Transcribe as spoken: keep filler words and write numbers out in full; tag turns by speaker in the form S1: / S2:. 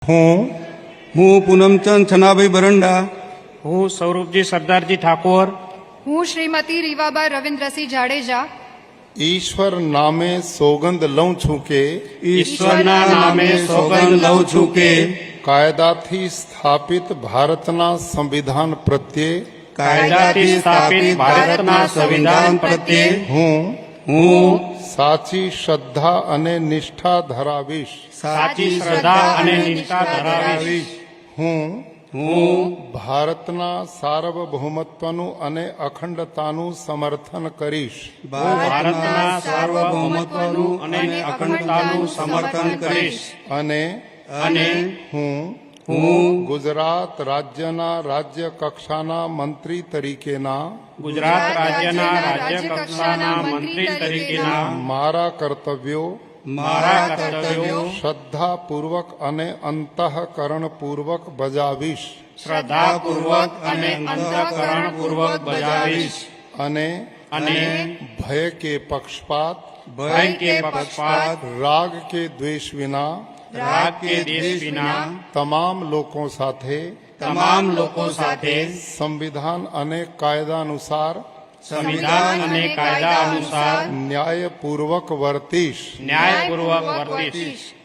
S1: હું હું પૂનમચંદ છનાભાઈ બરંડા
S2: હું સ્વરૂપજી સરદારજી ઠાકોર
S3: હું શ્રીમતી રીવાબા રવિન્દ્રસિંહ જાડેજા
S4: ઈશ્વર નામે સોગંદ લઉં છું કે
S1: ઈશ્વરના નામે સોગંદ લઉં છું કે
S4: કાયદાથી સ્થાપિત ભારતના સંવિધાન પ્રત્યે
S2: કાયદાથી સ્થાપિત ભારતના સંવિધાન પ્રત્યે
S4: હું
S1: હું
S4: સાચી શ્રદ્ધા અને નિષ્ઠા ધરાવીશ.
S2: સાચી શ્રદ્ધા અને નિષ્ઠા ધરાવીશ.
S4: હું
S1: હું
S4: ભારતના સાર્વભૌમત્વનું અને અખંડતાનું સમર્થન કરીશ.
S2: ભારતના સાર્વભૌમત્વનું અને અખંડતાનું સમર્થન કરીશ.
S4: અને
S2: અને
S4: હું
S1: હું
S4: ગુજરાત રાજ્યના રાજ્ય કક્ષાના મંત્રી તરીકેના
S2: ગુજરાત રાજ્યના રાજ્ય કક્ષાના મંત્રી તરીકેના
S4: મારા કર્તવ્યો
S2: મારા કર્તવ્યો
S4: શ્રદ્ધાપૂર્વક અને અંતઃકરણપૂર્વક બજાવીશ.
S2: શ્રદ્ધાપૂર્વક અને અંતઃકરણપૂર્વક બજાવીશ.
S4: અને
S2: અને
S4: ભય કે પક્ષપાત
S2: ભય કે પક્ષપાત
S4: રાગ કે દ્વેષ વિના
S2: રાગ કે દેશ વિના
S4: તમામ લોકો સાથે
S2: તમામ લોકો સાથે
S4: સંવિધાન અને કાયદા અનુસાર
S2: સંવિધાન અને કાયદા અનુસાર
S4: ન્યાયપૂર્વક વર્તીશ.
S2: ન્યાયપૂર્વક વર્તીશ.